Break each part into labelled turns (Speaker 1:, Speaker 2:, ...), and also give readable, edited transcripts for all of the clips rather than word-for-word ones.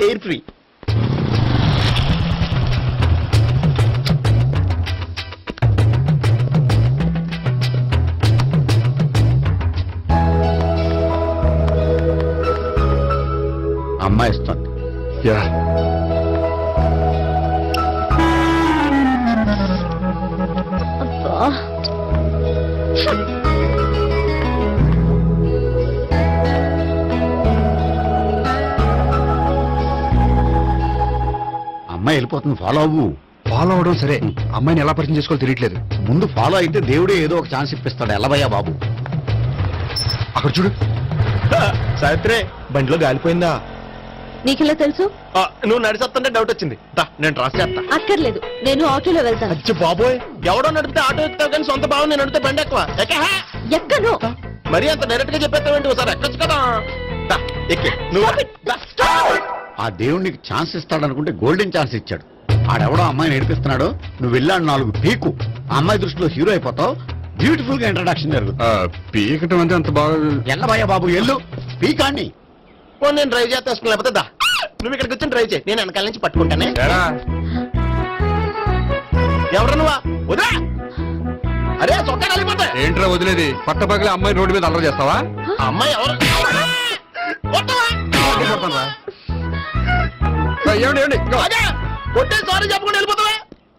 Speaker 1: Air free.
Speaker 2: అమ్మాయి ఇస్తుంది.
Speaker 3: Yeah
Speaker 4: అబ్బా.
Speaker 2: అమ్మాయి వెళ్ళిపోతుంది, ఫాలో అవ్వు.
Speaker 3: ఫాలో అవడం సరే, అమ్మాయిని ఎలా పరిచయం చేసుకోవాలో తెలియట్లేదు.
Speaker 2: ముందు ఫాలో అయితే దేవుడే ఏదో ఒక ఛాన్స్ ఇప్పిస్తాడు. ఎల్లబయ్యా బాబు.
Speaker 3: అక్కడ చూడు.
Speaker 1: సావిత్రి, బండిలో గాలిపోయిందా?
Speaker 4: నీకెలా తెలుసు?
Speaker 1: నువ్వు నడిచేస్తుంటే డౌట్ వచ్చింది. నేను ట్రాస్ చేస్తా.
Speaker 4: అక్కర్లేదు, నేను ఆటోలో వెళ్తాను.
Speaker 1: అచ్చి బాబోయ్, ఎవడో నడిపితే ఆటో ఎక్కుతావు కానీ సొంత భావం నేను నడిపితే బండి ఎక్కువ.
Speaker 4: ఎక్కను.
Speaker 1: మరి అంత డైరెక్ట్ గా చెప్పేస్తావేంటి? ఒకసారి ఎక్కొచ్చు కదా. ఎక్కి నువ్వు.
Speaker 2: ఆ దేవుడికి ఛాన్స్ ఇస్తాడనుకుంటే గోల్డెన్ ఛాన్స్ ఇచ్చాడు. ఆడెవడో అమ్మాయిని ఏడిపిస్తున్నాడు, నువ్వు వెళ్ళాడు 4 పీకు. ఆ అమ్మాయి దృష్టిలో హీరో అయిపోతావు. బ్యూటిఫుల్ గా ఇంట్రడక్షన్ జరుగుతుంది.
Speaker 3: పీకటం అంటే అంత బాగా.
Speaker 2: ఎల్లబయ్యా బాబు, ఎల్లు పీకాన్ని.
Speaker 1: నేను డ్రైవ్ చేస్తాను, లేకపోతే దా నువ్వు ఇక్కడికి వచ్చి డ్రైవ్ చేయి, నేను వెనకాల నుంచి పట్టుకుంటానే. ఎవరు నువ్వా? వదిలే. అరే చొక్కా కలిపోతా.
Speaker 3: ఏంట్రా వదిలేది? పట్ట పగలే అమ్మాయి రోడ్డు మీద అల్లరి చేస్తావా?
Speaker 1: ఆ అమ్మాయి ఎవరు?
Speaker 3: ఏమండి ఏమండి,
Speaker 1: కొట్టే సారీ చెప్పకుండా వెళ్ళిపోతావా?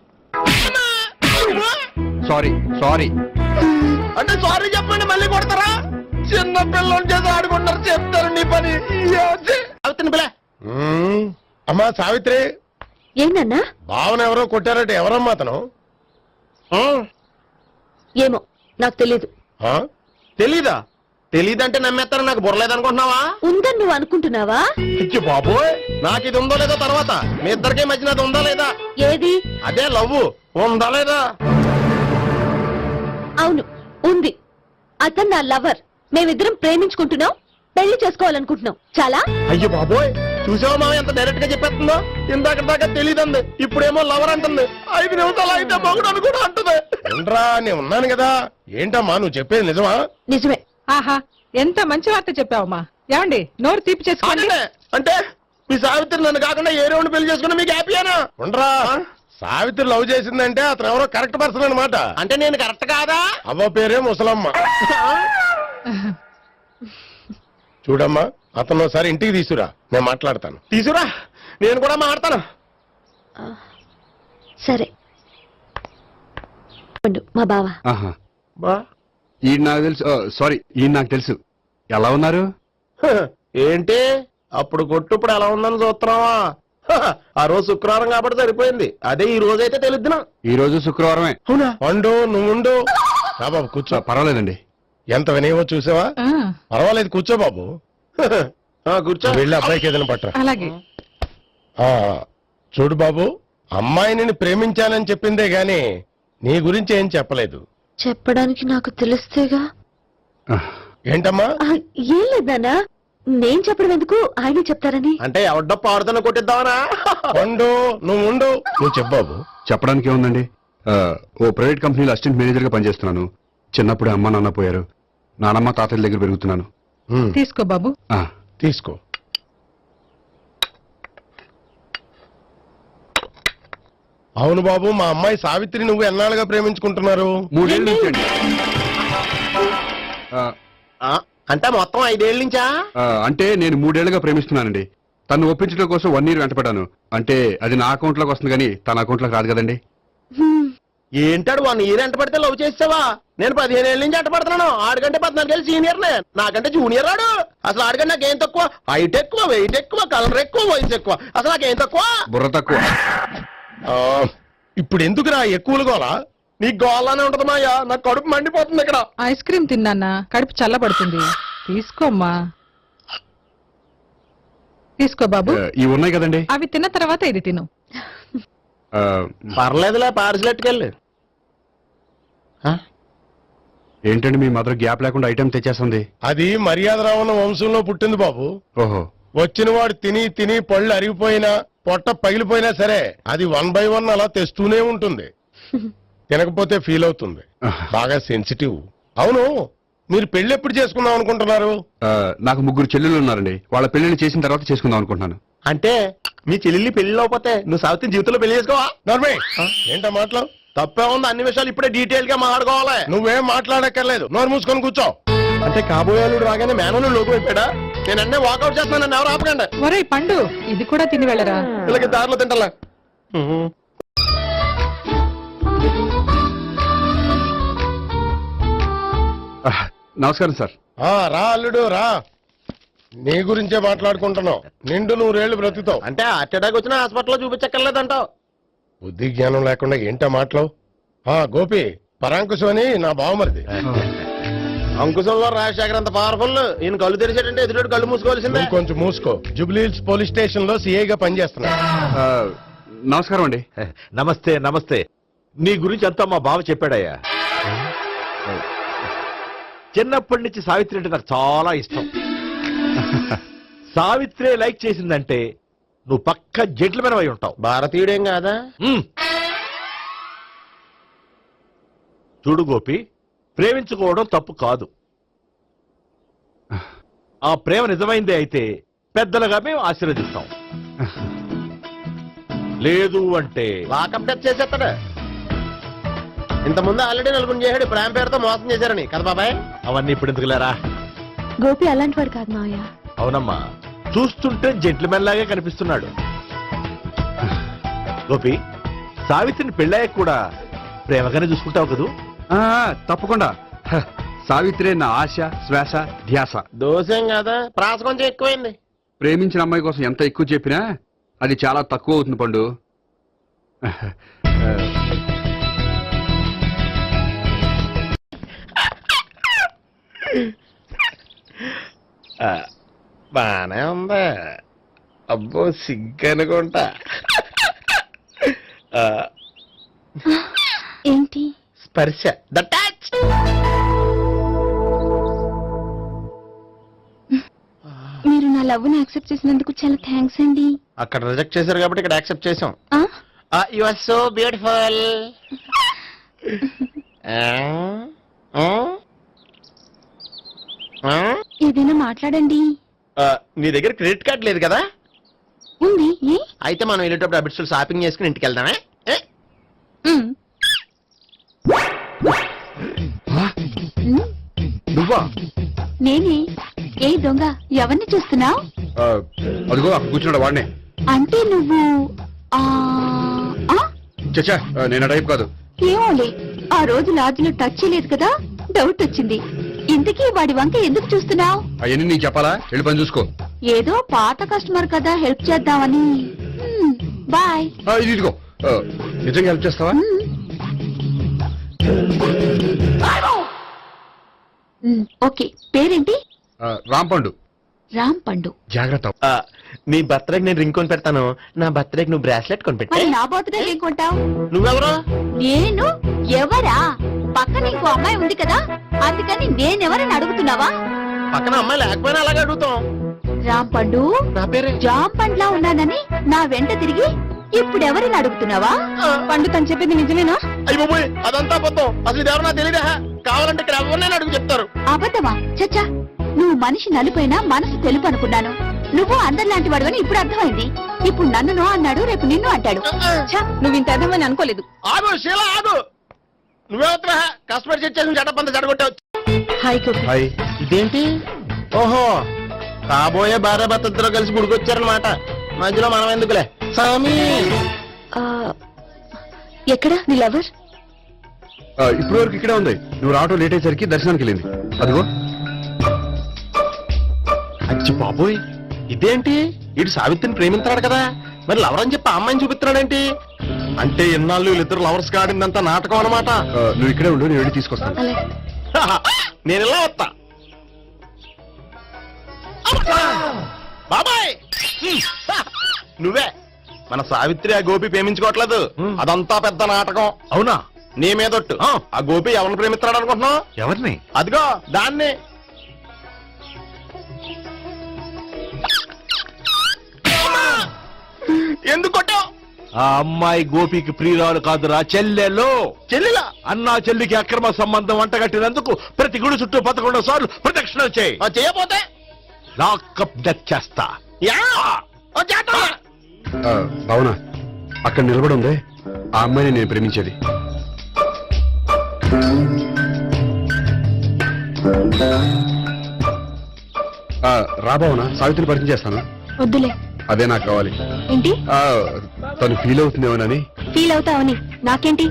Speaker 3: Sorry sorry.
Speaker 1: అంటే సారీ చెప్పండి మళ్ళీ కొడతారా? చిన్న పిల్లలు చేసి ఆడుకుంటారు, చెప్తారు నీ పని. అవుతుంది పిల్ల. అమ్మా సావిత్రి,
Speaker 4: ఏంటన్నా?
Speaker 1: భావన ఎవరో కొట్టారంటే ఎవరమ్మా అతను?
Speaker 4: ఏమో నాకు తెలీదు.
Speaker 1: తెలీదా? తెలీదంటే నమ్మేస్తారని నాకు బుర్రలేదనుకుంటున్నావా?
Speaker 4: ఉందని నువ్వు అనుకుంటున్నావా?
Speaker 1: ఇచ్చి బాబోయ్, నాకు ఇది ఉందో లేదో తర్వాత. మీ ఇద్దరికే మధ్యన అది ఉందా లేదా?
Speaker 4: ఏది?
Speaker 1: అదే లవ్ ఉందా లేదా?
Speaker 4: అవును, ఉంది. అతను నా లవర్. మేమిద్దరం ప్రేమించుకుంటున్నాం, పెళ్లి చేసుకోవాలనుకుంటున్నాం. చాలా.
Speaker 1: అయ్యో బాబోయ్, చూసావా మామ ఎంత డైరెక్ట్ గా చెప్పేస్తుందో? ఇందాక దాకా తెలియదండి, ఇప్పుడేమో లవర్ అంటుంది. 5 నిమిషాలు అయితే మగుడు అని కూడా అంటుంది. నేను ఉన్నాను కదా. ఏంటమ్మా నువ్వు చెప్పేది నిజమా?
Speaker 4: నిజమే.
Speaker 5: ఆహా, ఎంత మంచి వార్త చెప్పావమ్మా. ఏమండి, నోరు తీపి చేసుకోండి.
Speaker 1: అంటే మీ సావిత్రి నన్ను కాకుండా ఏ రౌండ్ పెళ్లి చేసుకున్నా మీకు హ్యాపీయేనా? ఉండరా, సావిత్రి లవ్ చేసిందంటే అతను ఎవరో కరెక్ట్ పర్సన్ అనమాట. అంటే నేను కరెక్ట్ కాదా? అవ్వ పేరే ముసలమ్మ. చూడమ్మా, అతను ఒకసారి ఇంటికి తీసుకురా, నేను మాట్లాడతాను. తీసుకురా, నేను కూడా మాట్లాడతాను.
Speaker 4: సరే. మా బావ.
Speaker 1: బా
Speaker 3: ఈ నాకు తెలుసు. సారీ, ఈ నాకు తెలుసు. ఎలా ఉన్నారు?
Speaker 1: ఏంటి అప్పుడు కొట్టు ఇప్పుడు ఎలా ఉందని చూస్తున్నావా? ఆ రోజు శుక్రవారం కాబట్టి సరిపోయింది. అదే ఈ రోజు అయితే తెలుద్దునా?
Speaker 3: ఈ రోజు శుక్రవారమే.
Speaker 1: అవునా? వండు, నువ్వు ఉండు. బాబు కూర్చో.
Speaker 3: పర్వాలేదండి.
Speaker 1: ఎంత వినయమో చూసావా?
Speaker 5: ఆ,
Speaker 1: పర్వాలేదు, కూర్చో బాబు. కూర్చో. వెళ్ళి అబ్బాయికి ఏదైనా పట్టరా.
Speaker 5: అలాగే.
Speaker 1: చూడు బాబు, అమ్మాయిని ప్రేమించానని చెప్పిందే గాని నీ గురించి ఏం చెప్పలేదు.
Speaker 4: చెప్పడానికి నాకు తెలిస్తేగా.
Speaker 1: ఏంటమ్మా?
Speaker 4: ఏం లేదన్నా, నేను చెప్పడం ఎందుకు, ఆయనే చెప్తారని.
Speaker 1: అంటే ఎవడ్డో పాడుతున్న కొట్టిద్దామనా? వండు, నువ్వు ఉండు. నువ్వు చెప్పు.
Speaker 3: చెప్పడానికి ఏముందండి, ఓ ప్రైవేట్ కంపెనీలో అసిస్టెంట్ మేనేజర్ గా పనిచేస్తున్నాను. చిన్నప్పుడే అమ్మ నాన్న పోయారు. నానమ్మ తాతయ్య దగ్గర పెరుగుతున్నాను.
Speaker 5: తీసుకో బాబు.
Speaker 1: తీసుకో. అవును బాబు, మా అమ్మాయి సావిత్రి నువ్వు ఎన్నాళ్ళుగా ప్రేమించుకుంటున్నారు?
Speaker 3: 3 ఏళ్ళ నుంచి అండి.
Speaker 1: అంటే మొత్తం 5 ఏళ్ళ నుంచా?
Speaker 3: అంటే నేను 3 ఏళ్లుగా ప్రేమిస్తున్నానండి. తను ఒప్పించడం కోసం 1 year వెంటపడ్డాను. అంటే అది నా అకౌంట్ లోకి వస్తుంది కానీ తన అకౌంట్ లోకి రాదు కదండి.
Speaker 1: ఏంటాడు 1 year ఎంట పడితే లవ్ చేసావా? నేను 15 ఏళ్ళ నుంచి ఎంట పడుతున్నాను. ఆడికంటే 14 ఏళ్ళు సీనియర్ నే, నాకంటే జూనియర్ రాడు. అసలు ఆడికంటే నాకేం తక్కువ? హైట్ ఎక్కువ, వెయిట్ ఎక్కువ, కలర్ ఎక్కువ, వయసు ఎక్కువ. అసలు నాకేం తక్కువ?
Speaker 3: బుర్ర తక్కువ.
Speaker 1: ఇప్పుడు ఎందుకురా ఎక్కువలు గోలా? నీకు గోలానే ఉంటది మాయా, నాకు కడుపు మండిపోతుంది ఇక్కడ.
Speaker 5: ఐస్ క్రీమ్ తిన్నానా, కడుపు చల్లబడుతుంది. తీసుకోమ్మా. తీసుకో బాబు.
Speaker 3: ఇవి ఉన్నాయి కదండి.
Speaker 5: అవి తిన్న తర్వాత ఇది తిను.
Speaker 1: పర్లేదులే, పార్సిల్ ఎట్టుకెళ్ళి.
Speaker 3: ఏంటండి మీ మదర్ గ్యాప్ లేకుండా ఐటెం తెచ్చేస్తుంది?
Speaker 1: అది మర్యాద రావణ వంశంలో పుట్టింది బాబు.
Speaker 3: ఓహో.
Speaker 1: వచ్చిన వాడు తిని తిని పళ్ళు అరిగిపోయినా, పొట్ట పగిలిపోయినా సరే అది 1 by 1 అలా తెస్తూనే ఉంటుంది. తినకపోతే ఫీల్ అవుతుంది. బాగా సెన్సిటివ్. అవును,
Speaker 6: మీరు పెళ్లి ఎప్పుడు చేసుకుందాం అనుకుంటున్నారు?
Speaker 3: నాకు 3 చెల్లెలు ఉన్నారండి. వాళ్ళ పెళ్లిని చేసిన తర్వాత చేసుకుందాం అనుకుంటున్నాను.
Speaker 1: అంటే మీ చెల్లెల్ని పెళ్లి లేకపోతే నువ్వు సావిత్రి జీవితంలో పెళ్లి చేసుకోవా?
Speaker 6: నర్మే ఏంటో మాటలు?
Speaker 1: తప్పే ఉంది, అన్ని విషయాలు ఇప్పుడే డీటెయిల్ గా మాట్లాడుకోవాలి.
Speaker 6: నువ్వేం మాట్లాడక్కర్లేదు, నోరు మూసుకొని కూర్చో.
Speaker 1: అంటే కాబోయేలుడు రాగానే మేనలు లోకి అయిపోయాడా? నేను అన్నీ వాకౌట్ చేస్తున్నాను, నన్ను ఎవరు ఆపకండి.
Speaker 5: ఒరే పండు ఇది కూడా తిని వెళ్ళరా.
Speaker 1: వీళ్ళకి దారిలో తింటలా.
Speaker 3: నమస్కారం సార్.
Speaker 6: రా అల్లుడు రా, నీ గురించే మాట్లాడుకుంటున్నావు. నిండు 100 బ్రతుకుతావు.
Speaker 1: అంటే హార్ట్ అటాక్ వచ్చిన హాస్పిటల్లో చూపించక్కర్లేదంటావు.
Speaker 6: బుద్ధి జ్ఞానం లేకుండా ఏంటో మాటలు? గోపి పరాంకుశం అని నా బావమరిది.
Speaker 1: అంకుశంలో రాజశేఖర్ అంత పవర్ఫుల్. ఈయన కళ్ళు తెరిచాడంటే ఎదురు కళ్ళు మూసుకోవాల్సిందే.
Speaker 6: నువ్వు కొంచెం మూసుకో. జూబ్లీహిల్స్ పోలీస్ స్టేషన్ లో సిఐగా పనిచేస్తున్నా.
Speaker 3: నమస్కారం అండి.
Speaker 7: నమస్తే నమస్తే. నీ గురించి అంతా మా బావ చెప్పాడయ్యా. చిన్నప్పటి నుంచి సావిత్రి అంటే నాకు చాలా ఇష్టం. సావిత్రే లైక్ చేసిందంటే నువ్వు పక్క జెంట్లమెన్ అయి ఉంటావు.
Speaker 1: భారతీయుడేం కాదా?
Speaker 7: చూడు గోపి, ప్రేమించుకోవడం తప్పు కాదు. ఆ ప్రేమ నిజమైందే అయితే పెద్దలుగా మేము ఆశీర్వదిస్తాం. లేదు అంటే
Speaker 1: లాకప్ డెత్ చేసేస్తాడు. ఇంతకుముందు ఆల్రెడీ 4 చేశాడు ప్రేమ పేరుతో మోసం చేశారని కదా బాబాయ్.
Speaker 7: అవన్నీ ఇప్పుడు ఎందుకులేరా.
Speaker 4: గోపి అలాంటి వాడు కాదు మావయ్య.
Speaker 7: అవునమ్మా, చూస్తుంటే జెంట్లమెన్ లాగే కనిపిస్తున్నాడు. గోపి, సావిత్రిని పెళ్ళాక కూడా ప్రేమగానే చూసుకుంటావు కదూ?
Speaker 3: తప్పకుండా. సావిత్రే నా ఆశ, శ్వాస, ధ్యాస.
Speaker 1: దోషం కాదా, ప్రాస కొంచెం ఎక్కువైంది.
Speaker 3: ప్రేమించిన అమ్మాయి కోసం ఎంత ఎక్కువ చెప్పినా అది చాలా తక్కువ అవుతుంది పండు.
Speaker 1: బానే ఉందా? అబ్బో సిగ్గనుకుంటా.
Speaker 4: ఏంటి?
Speaker 1: స్పర్శ, ద టచ్.
Speaker 4: మీరు నా లవ్ ని యాక్సెప్ట్ చేసినందుకు చాలా థ్యాంక్స్ అండి.
Speaker 1: అక్కడ రిజెక్ట్ చేశారు కాబట్టి ఇక్కడ యాక్సెప్ట్ చేసాం.
Speaker 4: ఆ?
Speaker 1: You are so beautiful.
Speaker 4: ఏదైనా మాట్లాడండి.
Speaker 1: నీ దగ్గర క్రెడిట్ కార్డ్ లేదు కదా?
Speaker 4: ఉంది. ఏ?
Speaker 1: అయితే మనం వెళ్ళేటప్పుడు అబిట్స్ షాపింగ్ చేసుకుని ఇంటికి వెళ్దామే.
Speaker 4: ఉమ్.
Speaker 3: నువ్వా?
Speaker 4: నేనే. ఏ దొంగ, ఎవరిని చూస్తున్నావు?
Speaker 3: అదిగో అక్కడ కూర్చున్నాడు వాడినే.
Speaker 4: అంటే నువ్వు ఆ ఆ?
Speaker 3: చచ్చా, నేను టైప్ కాదు.
Speaker 4: ఏమోలే, ఆ రోజు లాడ్జిలో టచ్ చేయలేదు కదా, డౌట్ వచ్చింది. ఇంతకీ వాడి వంక ఎందుకు చూస్తున్నావు?
Speaker 3: అవన్నీ నీకు చెప్పాలా? వెళ్ళి పని చూసుకో.
Speaker 4: ఏదో పాత కస్టమర్ కదా, హెల్ప్ చేద్దామని. బాయ్.
Speaker 3: ఇదిగో, నిజంగా హెల్ప్ చేస్తావా?
Speaker 4: ఓకే. పేరేంటి?
Speaker 3: రాంపండు.
Speaker 4: రామ్ పండు.
Speaker 3: జాగ్రత్త.
Speaker 1: నీ బర్త్డేకి నేను రింగ్ కొని పెడతాను, నా బర్త్డేకి నువ్వు బ్రాస్లెట్ కొని పెట్టే.
Speaker 4: మరి నా బర్త్డే ఏం కొంటావు?
Speaker 1: నువ్వెవరు?
Speaker 4: నేను ఎవరా? పక్కన ఇంకో అమ్మాయి ఉంది కదా, అందుకని నేనెవరని అడుగుతున్నావా?
Speaker 1: పక్కన అమ్మాయి లేకపోయినా అలాగే అడుగుతాం.
Speaker 4: రామ్ పండు,
Speaker 1: నా పేరే
Speaker 4: జామ్ పండ్లా ఉన్నానని నా వెంట తిరిగి ఇప్పుడు ఎవరిని అడుగుతున్నావా? పండు తను చెప్పింది నిజమేనా?
Speaker 1: అయ్యి బాబోయ్, అదంతా అబద్ధం. అసలు ఇది ఎవరన్నా తెలియదా? కావాలంటే ఇక్కడ ఎవరినైనా అడుగు చెప్తారు.
Speaker 4: అబద్ధమా? చచ్చా, నువ్వు మనిషి నలుపైనా మనసు తెలుపు అనుకున్నాను. నువ్వు అందరిలాంటి వాడువని ఇప్పుడు అర్థమైంది. ఇప్పుడు నన్ను నో అన్నాడు, రేపు నిన్ను అంటాడు. నువ్వు ఇంత అర్థమని అనుకోలేదు.
Speaker 1: ఆగు శీలా, ఆగు. నువ్వెవరా? కస్టమర్ చెక్ చేసి జడపంత జడగొట్టావు.
Speaker 4: Hi
Speaker 3: hi.
Speaker 1: ఇదేంటి? ఓహో, కాబోయే భార్య భర్తతో కలిసి గుడికొచ్చారనమాట. మధ్యలో మనం ఎందుకులే సామి.
Speaker 4: ఎక్కడ నీ లవర్?
Speaker 3: ఇప్పటి వరకు ఇక్కడే ఉంది. నువ్వు రావటం లేట్ అయ్యేసరికి దర్శనానికి వెళ్ళింది. అదిగో.
Speaker 1: అచ్చి బాబోయ్, ఇదేంటి? ఇటు సావిత్రిని ప్రేమించాడు కదా, మరి లవర్ అని చెప్పి ఆ అమ్మాయిని చూపిస్తున్నాడేంటి? అంటే ఎన్నాళ్ళు వీళ్ళిద్దరు లవర్స్ కాడిందంతా నాటకం అనమాట.
Speaker 3: నువ్వు ఇక్కడే ఉండు, నేను వెళ్ళి తీసుకొస్తాను.
Speaker 4: అలాగే.
Speaker 1: నేను ఇలా వస్తా. బాబాయ్, నువ్వే మన సావిత్రి ఆ గోపి ప్రేమించుకోవట్లేదు. అదంతా పెద్ద నాటకం.
Speaker 7: అవునా?
Speaker 1: నీ మీదొట్టు. ఆ గోపి ఎవరిని ప్రేమిస్తున్నాడు అనుకుంటున్నావు?
Speaker 7: ఎవరిని?
Speaker 1: అదిగో దాన్ని. ఎందుకు కొట్టావు?
Speaker 7: ఆ అమ్మాయి గోపికి ప్రియురాలు కాదురా, చెల్లెలు.
Speaker 1: చెల్లిలా
Speaker 7: అన్నా చెల్లికి అక్రమ సంబంధం వంటగట్టినందుకు ప్రతి గుడి చుట్టూ 11 సార్లు ప్రదక్షిణ చేయి.
Speaker 1: చేయపోతే
Speaker 7: లాకప్ డెత్ చేస్తా.
Speaker 1: యా ఓ చేస్తా.
Speaker 3: భావన అక్కడ నిలబడి ఉంది ఆ అమ్మాయిని నేను ప్రేమించేది. రా భావన, సావిత్రిని పరిచయం చేస్తాను.
Speaker 4: వద్దులే.
Speaker 3: అదే నాకు కావాలి.
Speaker 4: ఏంటి
Speaker 3: తను ఫీల్ అవుతుందేమోనని.
Speaker 4: ఫీల్ అవుతావని నాకేంటి?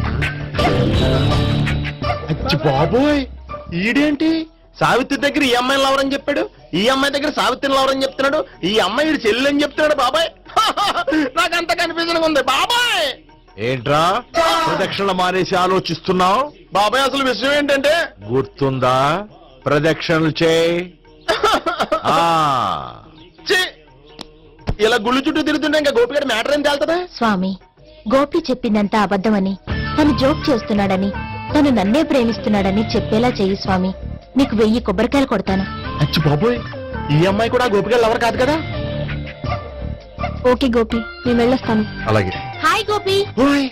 Speaker 1: అచ్చి బాబోయ్, ఈడేంటి సావిత్రి దగ్గర ఈ అమ్మాయిని లవరని చెప్పాడు, ఈ అమ్మాయి దగ్గర సావిత్రిని లవరని చెప్తున్నాడు, ఈ అమ్మాయి ఈడు చెల్లి అని చెప్తున్నాడు. బాబాయ్ నాకంత కన్ఫ్యూజన్ ఉంది బాబాయ్.
Speaker 7: ఏంట్రా ప్రదక్షిణ మానేసి ఆలోచిస్తున్నావు?
Speaker 1: బాబాయ్ అసలు విషయం ఏంటంటే
Speaker 7: గుర్తుందా? ప్రదక్షిణలు చేయి. ఆ,
Speaker 1: ఛీ, ఇలా గుళ్ళు చుట్టూ తిరుగుతుంటే ఇంకా గోపిగడ మ్యాటర్ ఏం తేలుతుందా?
Speaker 4: స్వామి, గోపి చెప్పిందంతా అబద్ధమని, తను జోక్ చేస్తున్నాడని, తను నన్నే ప్రేమిస్తున్నాడని చెప్పేలా చెయ్యి స్వామి. నీకు 1000 కొబ్బరికాయలు కొడతాను.
Speaker 1: అచ్చి బాబోయ్, ఈ అమ్మాయి కూడా గోపిగడ లవర్ కాదు కదా?
Speaker 4: ఓకే గోపి, నేను వెళ్ళొస్తాను.
Speaker 3: అలాగే.
Speaker 4: హాయ్ గోపి.
Speaker 1: ఓయ్,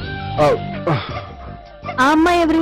Speaker 4: ఆ అమ్మాయి ఎవరు?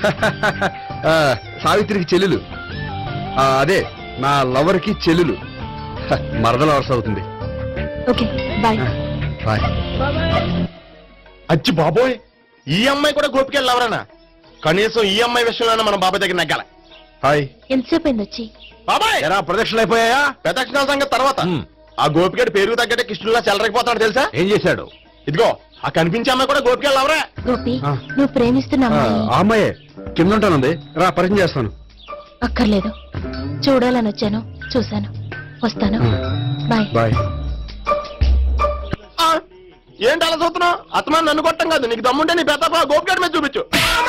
Speaker 3: సావిత్రికి చెల్లెలు. అదే నా లవర్ కి చెల్లెలు. మరదల వరుస అవుతుంది.
Speaker 4: Okay bye.
Speaker 3: బాయ్.
Speaker 1: అచ్చి బాబోయ్, ఈ అమ్మాయి కూడా గోపిగడ లవరేనా? కనీసం ఈ అమ్మాయి విషయంలోనే మనం బాబాయ్ దగ్గర నగ్గాల.
Speaker 3: హాయ్.
Speaker 4: ఎంతసేపు అయింది వచ్చి?
Speaker 1: బాబాయ్
Speaker 7: ఎరా ప్రదక్షిణలు అయిపోయాయా?
Speaker 1: ప్రదక్షిణాల సంగతి తర్వాత.
Speaker 7: హ్మ్.
Speaker 1: ఆ గోపిగడ పేరు తగ్గట్టే కృష్ణులా చెలరకపోతాడు తెలుసా?
Speaker 7: ఏం చేశాడు?
Speaker 1: ఇదిగో ఆ కనిపించే అమ్మాయి కూడా గోపిగడ లవరే.
Speaker 4: గోపి,
Speaker 3: ఆ.
Speaker 4: నువ్వు ప్రేమిస్తున్న అమ్మాయి
Speaker 3: ఆ అమ్మాయే కింద ఉంటానుంది. రా పరిచయం చేస్తాను.
Speaker 4: అక్కర్లేదు. చూడాలని వచ్చాను, చూశాను. వస్తాను. బాయ్.
Speaker 3: బాయ్.
Speaker 1: ఏంటి అలా చూస్తున్నావు? అత్తమాని నన్ను కొట్టం కాదు, నీకు దమ్ముంటే నీ పెద్ద గోపిగడ మీద చూపించు.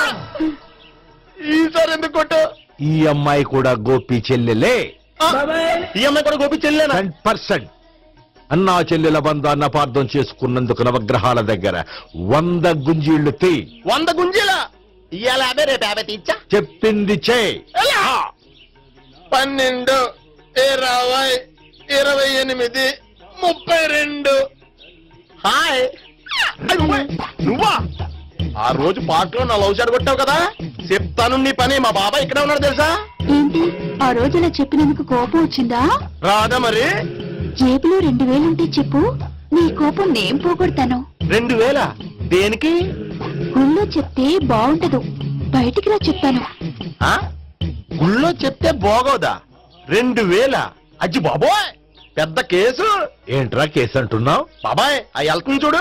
Speaker 1: ఈసారి ఎందుకు కొట్టు?
Speaker 7: ఈ అమ్మాయి కూడా గోపి చెల్లెలే.
Speaker 1: ఈ అమ్మాయి కూడా గోపి చెల్లేనా?
Speaker 7: 100%. అన్నా చెల్లెల బంధాన్ని అపార్థం చేసుకున్నందుకు నవగ్రహాల దగ్గర 100 గుంజీళ్లు తీ.
Speaker 1: 100 గుంజీల ఇవాళ 50 రేపు 50 తీచ్చా.
Speaker 7: చెప్పింది చే.
Speaker 1: 12, 20, 28, 32. హాయ్. నువ్వా? ఆ రోజు పార్క్ లో నా లవ్ షాట్ కొట్టావు కదా, చెప్తాను నీ పని. మా బాబాయ్ ఇక్కడే ఉన్నాడు తెలుసా?
Speaker 4: ఏంటి ఆ రోజు ఇలా చెప్పినందుకు కోపం వచ్చిందా?
Speaker 1: రాదా మరి?
Speaker 4: జేబులో 2000 ఉంటే చెప్పు, నీ కోపం నేను పోగొడతాను.
Speaker 1: 2000 దేనికి?
Speaker 4: గుళ్ళో చెప్తే బాగుంటదు, బయటికి రా చెప్తాను.
Speaker 1: ఆ? గుళ్ళో చెప్తే బాగోదా? 2000? అజ్జి బాబోయ్, పెద్ద కేసు.
Speaker 7: ఏంట్రా కేసు అంటున్నావు?
Speaker 1: బాబాయ్ ఆ వెళ్తుంది చూడు,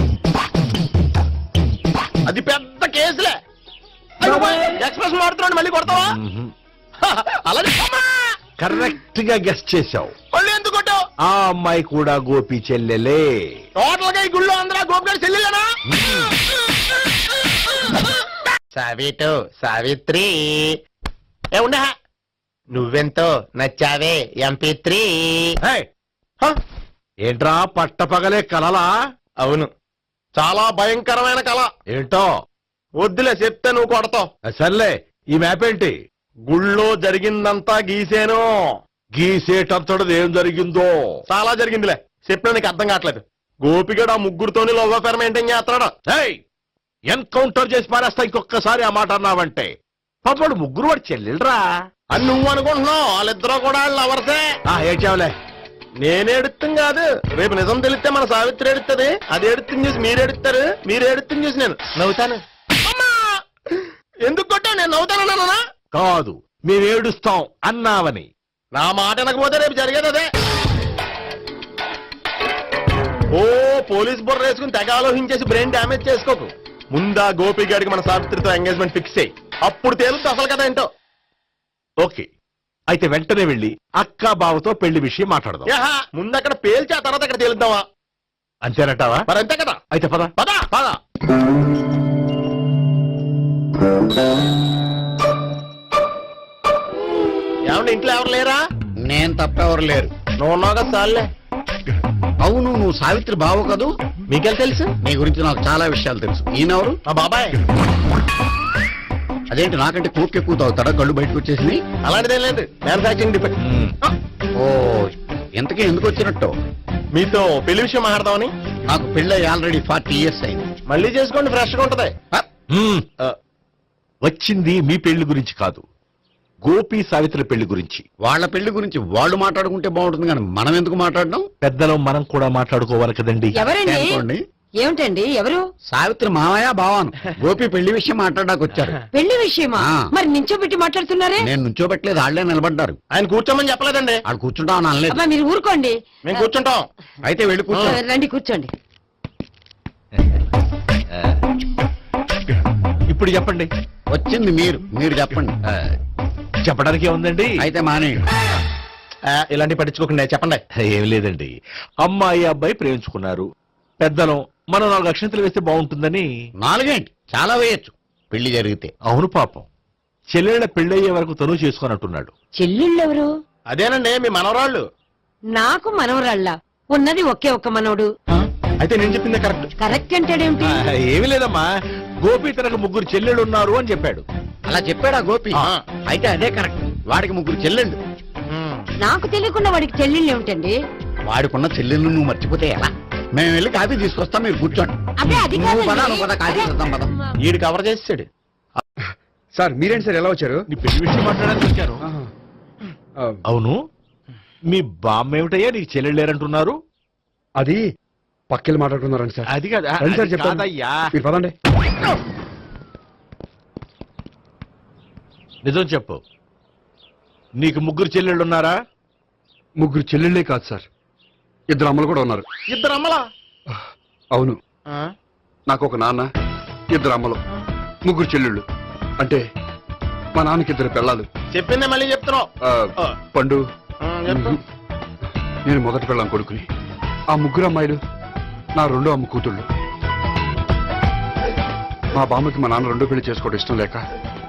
Speaker 1: అది పెద్ద కేసులే. ఎక్స్ప్రెస్ మారుతున్నాడు, మళ్ళీ కొడతావా? అలాగే
Speaker 7: కరెక్ట్ గా గెస్ట్ చేశావు.
Speaker 1: మళ్ళీ ఎందుకు కొట్టావు?
Speaker 7: ఆ అమ్మాయి కూడా గోపి చెల్లెలే.
Speaker 1: టోటల్ గా ఈ గుళ్ళో అందరూ గోపిగారు చెల్లెలేనా? సావిటు సావిత్రి ఏ ఉండే, నువ్వెంతో నచ్చావే MP3.
Speaker 7: హే! ఏంట్రా పట్టపగలే కలలా?
Speaker 1: అవును, చాలా భయంకరమైన కళ.
Speaker 7: ఏంటో
Speaker 1: వద్దులే, చెప్తే నువ్వు కొడతావు.
Speaker 7: సర్లే, ఈ మ్యాప్ ఏంటి?
Speaker 1: గుళ్ళో జరిగిందంతా గీసేను.
Speaker 7: గీసేటంతటది ఏం జరిగిందో?
Speaker 1: చాలా జరిగిందిలే, చెప్పినా నీకు అర్థం కావట్లేదు. గోపిగడు ఆ ముగ్గురుతోని లవ్ అఫేర్ మెయింటైన్ చేస్తున్నాడు.
Speaker 7: ఎన్కౌంటర్ చేసి పారేస్తా ఇంకొకసారి ఆ మాట అన్నావంటే. పాపడు ముగ్గురు వాడు చెల్లెలరా
Speaker 1: అని నువ్వు అనుకుంటున్నావు, వాళ్ళిద్దరూ కూడా లవర్సే.
Speaker 7: ఏడ్చావులే.
Speaker 1: నేను ఎడుతుంది కాదు, రేపు నిజం తెలిస్తే మన సావిత్రి ఎడుతుంది. అది ఎడుతుంది చూసి మీరు ఎడుతారు, మీరు ఎడుతుంది చూసి నేను నవ్వుతాను. అమ్మా! ఎందుకు కొట్టావు? నేను నవ్వుతానన్నా?
Speaker 7: కాదు, మేమేడుస్తాం అన్నావని.
Speaker 1: నా మాట వినకపోతే రేపు జరిగేది అదే. ఓ పోలీస్ బుర్ర వేసుకుని తెగ ఆలోచించేసి బ్రెయిన్ డ్యామేజ్ చేసుకోకు. ముందా గోపి గారికి మన సావిత్రితో ఎంగేజ్మెంట్ ఫిక్స్ అయ్యి, అప్పుడు తేలుతుంది అసలు కదా ఏంటో.
Speaker 7: ఓకే, అయితే వెంటనే వెళ్ళి అక్క బావతో పెళ్లి విషయం మాట్లాడదాం.
Speaker 1: యహా, ముందు అక్కడ పేల్చి ఆ తర్వాత అక్కడ తేలుద్దామా?
Speaker 7: అంతేనంటావా?
Speaker 1: మరి అంతే కదా.
Speaker 7: అయితే పద
Speaker 1: పద పద. ఏమంటే ఇంట్లో ఎవరు లేరా?
Speaker 2: నేను తప్పెవరు లేరు.
Speaker 1: నువ్వు ఉన్నావు కదా చాలే.
Speaker 2: అవును, నువ్వు సావిత్రి బావు కదూ?
Speaker 1: మీకెళ్ళి తెలుసు?
Speaker 2: నీ గురించి నాకు చాలా విషయాలు తెలుసు. ఈయనెవరు?
Speaker 1: మా బాబాయ్.
Speaker 2: అదేంటి నాకంటే కూక్ ఎక్కువ తాగుతాడా? కళ్ళు బయటకు వచ్చేసింది.
Speaker 1: అలాంటిదేం లేదు, మ్యానుఫాక్చరింగ్ డిఫెక్ట్.
Speaker 2: ఓ, ఇంతకీ ఎందుకు వచ్చినట్టు?
Speaker 1: మీతో పెళ్లి విషయం మాట్లాడదామని.
Speaker 2: నాకు పెళ్ళై ఆల్రెడీ 40 years అయింది.
Speaker 1: మళ్ళీ చేసుకోండి ఫ్రెష్ గా ఉంటది.
Speaker 7: మ్మ్. వచ్చింది మీ పెళ్లి గురించి కాదు, గోపి సావిత్రి పెళ్లి గురించి.
Speaker 2: వాళ్ళ పెళ్లి గురించి వాళ్ళు మాట్లాడుకుంటే బాగుంటుంది కానీ మనం ఎందుకు మాట్లాడడం?
Speaker 7: పెద్దలో మనం కూడా మాట్లాడుకోవాలి కదండి.
Speaker 8: ఎవరండి?
Speaker 2: అనుకోండి.
Speaker 8: ఏమిటండి ఎవరు?
Speaker 2: సావిత్రి మామయ్య బావాను గోపి పెళ్లి విషయం మాట్లాడడానికి వచ్చారు.
Speaker 8: పెళ్లి విషయమా?
Speaker 2: ఆ.
Speaker 8: మరి నించోబెట్టి మాట్లాడుతున్నారే?
Speaker 2: నేను నుంచోబెట్టలేదు, వాళ్ళే నిలబడ్డారు.
Speaker 1: ఆయన కూర్చోమని చెప్పలేదండి.
Speaker 2: వాళ్ళు కూర్చుంటామని అనలేదు.
Speaker 8: అబ్బా మీరు ఊరుకోండి.
Speaker 1: మేము కూర్చుంటాం.
Speaker 2: అయితే వెళ్ళి కూర్చో.
Speaker 8: రండి కూర్చోండి.
Speaker 7: ఇప్పుడు చెప్పండి.
Speaker 2: వచ్చింది మీరు చెప్పండి.
Speaker 7: చెప్పడానికి ఏముందండి?
Speaker 2: అయితే మానేయండి.
Speaker 1: ఇలాంటి పట్టించుకోకుండా చెప్పండి.
Speaker 7: ఏం లేదండి, అమ్మాయి అబ్బాయి ప్రేమించుకున్నారు. పెద్దలం మనం 4 అక్షంతలు వేస్తే బాగుంటుందని.
Speaker 2: 4 ఏంటి, చాలా వేయచ్చు పెళ్లి జరిగితే.
Speaker 7: అవును పాపం, చెల్లెళ్ళ పెళ్ళయ్యే వరకు తను చేసుకున్నట్టున్నాడు.
Speaker 8: చెల్లెళ్ళెవరు?
Speaker 1: అదేనండి మీ మనవరాళ్ళు.
Speaker 8: నాకు మనవరాళ్ళ ఉన్నది ఒకే ఒక్క మనవడు.
Speaker 1: అయితే నేను చెప్పిందే కరెక్ట్.
Speaker 8: కరెక్ట్ అంటాడేమిటి?
Speaker 7: ఏమి లేదమ్మా, గోపి తనకు 3 చెల్లెళ్ళు ఉన్నారు అని చెప్పాడు.
Speaker 2: అలా చెప్పాడా గోపి?
Speaker 1: ఆ.
Speaker 2: అయితే అదే కరెక్ట్. వాడికి 3 చెల్లెళ్ళు.
Speaker 8: నాకు తెలియకుండా వాడికి చెల్లెళ్ళు ఏమిటండి?
Speaker 2: వాడికున్న చెల్లెళ్ళు నువ్వు మర్చిపోతే ఎలా? మేము వెళ్ళి కాఫీ తీసుకొస్తాం, మీరు కూర్చోండి.
Speaker 8: అదే అది
Speaker 2: నువ్వు పద,
Speaker 8: కాదండి.
Speaker 2: నువ్వు పద, కాఫీ చేద్దాం పద.
Speaker 1: ఈడు కవర్ చేసాడు.
Speaker 3: సార్ మీరేంటి సార్ ఎలా వచ్చారు?
Speaker 7: నీ పెళ్లి విషయం మాట్లాడడానికి వచ్చాను. అవును, మీ బామ్మ ఏమిటయ్యా నీకు చెల్లెళ్ళు లేరంటున్నారు?
Speaker 3: అది పక్కెళ్ళి మాట్లాడుకున్నారండి సార్.
Speaker 7: అది కాదు,
Speaker 3: రండి సార్
Speaker 7: అది
Speaker 3: చెప్తాను.
Speaker 7: కాదయ్యా.
Speaker 3: మీరు పదండి.
Speaker 7: నిజం చెప్పు, నీకు 3 చెల్లెళ్ళు ఉన్నారా?
Speaker 3: 3 చెల్లెళ్ళే కాదు సార్, 2 అమ్మలు కూడా ఉన్నారు.
Speaker 1: ఇద్దరు అమ్మలా?
Speaker 3: అవును, నాకు ఒక నాన్న, 2 అమ్మలు, 3 చెల్లెళ్ళు. అంటే మా నాన్నకి 2 పిల్లలు.
Speaker 1: చెప్పిందే మళ్ళీ చెప్తున్నావు.
Speaker 3: పండు,
Speaker 1: చెప్పు.
Speaker 3: నేను మొదటి పెళ్ళాం కొడుకుని. ఆ 3 అమ్మాయిలు నా 2వ అమ్మ కూతుళ్ళు. మా బామ్మకి మా నాన్న 2వ పెళ్లి చేసుకోవడం ఇష్టం లేక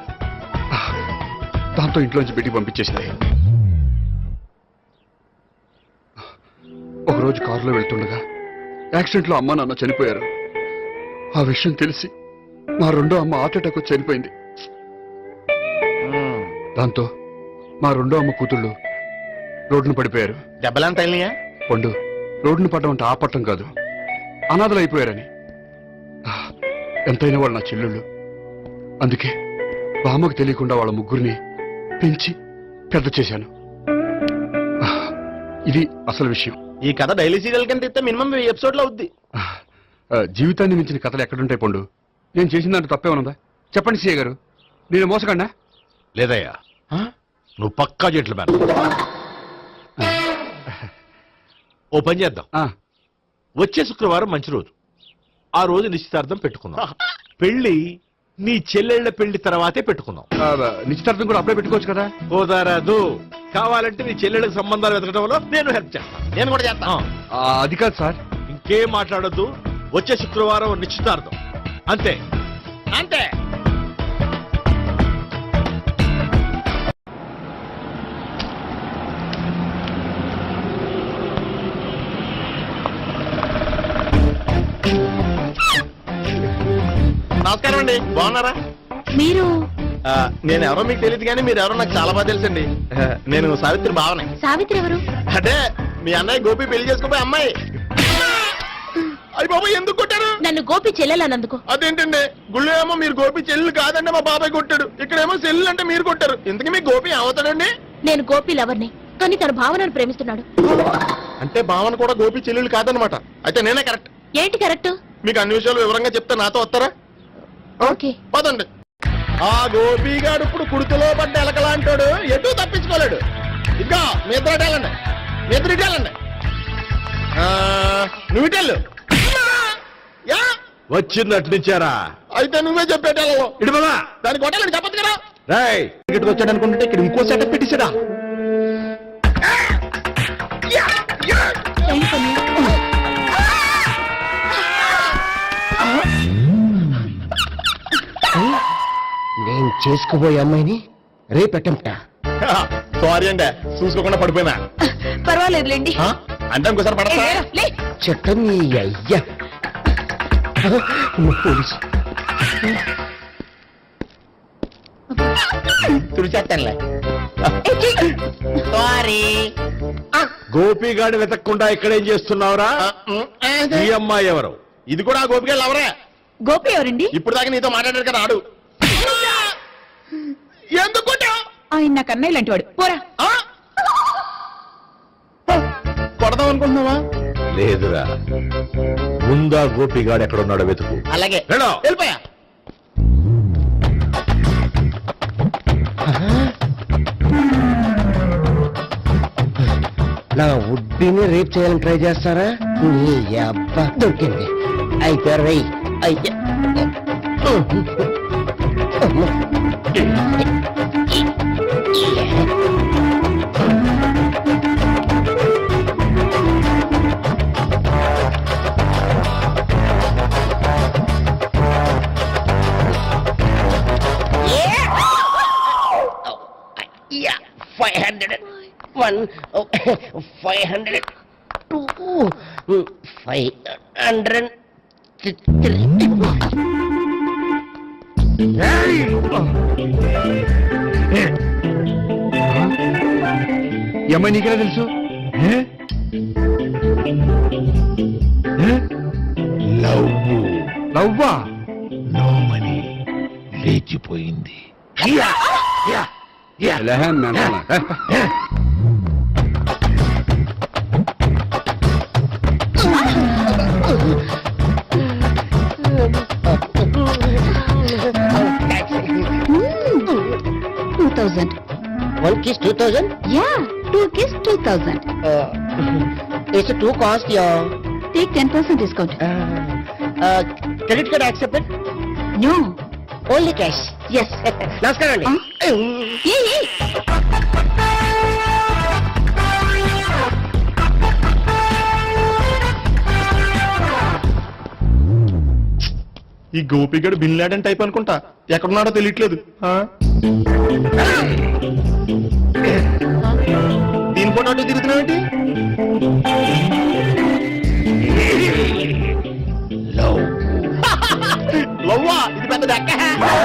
Speaker 3: దాంతో ఇంట్లోంచి బిడ్డికి పంపించేసింది. ఒకరోజు కారులో వెళ్తుండగా యాక్సిడెంట్లో అమ్మ నాన్న చనిపోయారు. ఆ విషయం తెలిసి మా 2వ అమ్మ హార్ట్ అటాక్ వచ్చి చనిపోయింది. దాంతో మా 2వ అమ్మ కూతుళ్ళు రోడ్డును పడిపోయారు.
Speaker 1: దెబ్బలంత వెళ్ళినాయా?
Speaker 3: పండు, రోడ్డును పడ్డం అంటే ఆపట్టం కాదు, అనాథలు అయిపోయారని. ఎంతైనా వాళ్ళు నా చెల్లెళ్ళు. అందుకే బామ్మకు తెలియకుండా వాళ్ళ 3 పెంచి పెద్ద చేశాను. ఇది అసలు విషయం.
Speaker 1: ఈ కథ డైలీ సీరియల్ కింద ఇస్తే మినిమం 1000 ఎపిసోడ్లు అవుద్ది.
Speaker 3: జీవితాన్ని మించిన కథలు ఎక్కడుంటాయి పండు? నేను చేసిన దాంట్లో తప్పేమనుందా? చెప్పండి సీఏ గారు, నేను మోసకండా?
Speaker 7: లేదయ్యా, నువ్వు పక్కా చెట్లు మేన. ఓ పని చేద్దాం, వచ్చే శుక్రవారం మంచి రోజు, ఆ రోజు నిశ్చితార్థం పెట్టుకుందాం. పెళ్లి నీ చెల్లెళ్ల పెళ్లి తర్వాతే పెట్టుకుందాం.
Speaker 3: నిశ్చితార్థం కూడా అప్పుడే పెట్టుకోవచ్చు కదా?
Speaker 7: కుదరదు, కావాలంటే నీ చెల్లెళ్ళకి సంబంధాలు వెతకడంలో నేను హెల్ప్ చేస్తాను.
Speaker 1: నేను కూడా చేస్తాను.
Speaker 3: అది కాదు సార్.
Speaker 7: ఇంకేం మాట్లాడొద్దు, వచ్చే శుక్రవారం నిశ్చితార్థం, అంతే
Speaker 1: అంతే. నమస్కారం అండి, బాగున్నారా?
Speaker 4: మీరు
Speaker 1: నేను ఎవరో మీకు తెలియదు కానీ మీరు ఎవరో నాకు చాలా బాగా తెలుసండి. నేను సావిత్రి బావనే.
Speaker 4: సావిత్రి ఎవరు?
Speaker 1: అంటే మీ అన్నయ్య గోపి పెళ్లి చేసుకోపోయి అమ్మాయి. అయ్యి బాబాయ్ ఎందుకు కొట్టారు?
Speaker 4: నన్ను గోపి చెల్లెలన్నందుకు.
Speaker 1: అదేంటండి, గుళ్ళు ఏమో మీరు గోపి చెల్లు కాదండి మా బాబాయ్ కొట్టాడు, ఇక్కడేమో చెల్లు అంటే మీరు కొట్టారు. ఇంతకీ మీ గోపి ఏమవుతాడండి?
Speaker 4: నేను గోపి లవర్ని, కానీ తన భావనను ప్రేమిస్తున్నాడు.
Speaker 1: అంటే భావన కూడా గోపి చెల్లెలు కాదనమాట. అయితే నేనే కరెక్ట్.
Speaker 4: ఏంటి కరెక్ట్?
Speaker 1: మీకు అన్ని విషయాలు వివరంగా చెప్తే నాతో వస్తారా?
Speaker 4: ఓకే.
Speaker 1: పదండి. ఆ గోపిగాడు ఇప్పుడు కుడితిలో పడ్డ ఎలకలాంటాడు, ఎటు తప్పించుకోలేడు. ఇంకా మీ ఇద్దరు ఇటేళ్ళండి, మీ ఇద్దరు ఇటేళ్ళండి. నువ్వు ఇటెళ్ళు.
Speaker 7: వచ్చిందటు నుంచారా?
Speaker 1: అయితే నువ్వే చెప్పేటెళ్ళలో
Speaker 7: ఇటు బాబా,
Speaker 1: దానికి కొట్టాలని చెప్పదు కదా.
Speaker 7: రేయ్,
Speaker 1: ఇక్కడికి వచ్చాడు అనుకుంటే ఇక్కడ ఇంకో సెటప్ పెట్టించడా?
Speaker 6: నేను చేసుకోబోయే అమ్మాయిని రేపెట్టంట.
Speaker 1: సారీ అండి, చూసుకోకుండా పడిపోయినా.
Speaker 4: పర్వాలేదులేండి.
Speaker 1: అంటే ఇంకోసారి పడతా.
Speaker 6: చెట్టం నీ అయ్యా పోలీసు
Speaker 1: తుడిచేస్తానులే. సారీ.
Speaker 7: గోపిగాడి వెతకకుండా ఇక్కడేం చేస్తున్నావురా ఈ అమ్మాయి ఎవరు?
Speaker 1: ఇది కూడా గోపికెళ్ళి ఎవరే?
Speaker 4: గోపి ఎవరండి?
Speaker 1: ఇప్పుడు దాకా నీతో మాట్లాడారు కదా ఆడు. ఎందుకు కొట్టావ్?
Speaker 5: ఆయన నాకు అన్నయ్య లాంటి వాడు పోరా.
Speaker 1: కొడదాం అనుకుంటున్నావా?
Speaker 7: లేదురా, ముందా గోపిగాడు ఎక్కడున్నాడో వెతుకు.
Speaker 1: అలాగే
Speaker 7: వెళ్ళు.
Speaker 1: వెళ్ళిపోయా.
Speaker 9: నా ఉడ్బీని రేప్ చేయాలని ట్రై చేస్తారా? నీ అబ్బా దొరికింది. అయితే రై అయితే Yeah, 500. 1, 500. 2, 500. 3.
Speaker 3: ఈ అమ్మాయి నీకెలా తెలుసు? లవ్వా?
Speaker 7: నోమని లేచిపోయింది.
Speaker 9: One kiss 2000.
Speaker 4: Yeah, 2 kiss 2000.
Speaker 9: It's too cost, yeah.
Speaker 4: Take 10% discount.
Speaker 9: Credit card accepted?
Speaker 4: No.
Speaker 9: Only cash.
Speaker 4: Yes.
Speaker 9: నమస్కారం అండి.
Speaker 4: Hey.
Speaker 1: ఈ గోపిగడు బిన్ లాడెన్ టైప్ అనుకుంటా. ఎక్కడున్నాడో తెలియట్లేదు. దీని ఫోటో అటు తిరుగుతున్నావేంటి? లవ్వా? ఇది పెద్ద దక్క.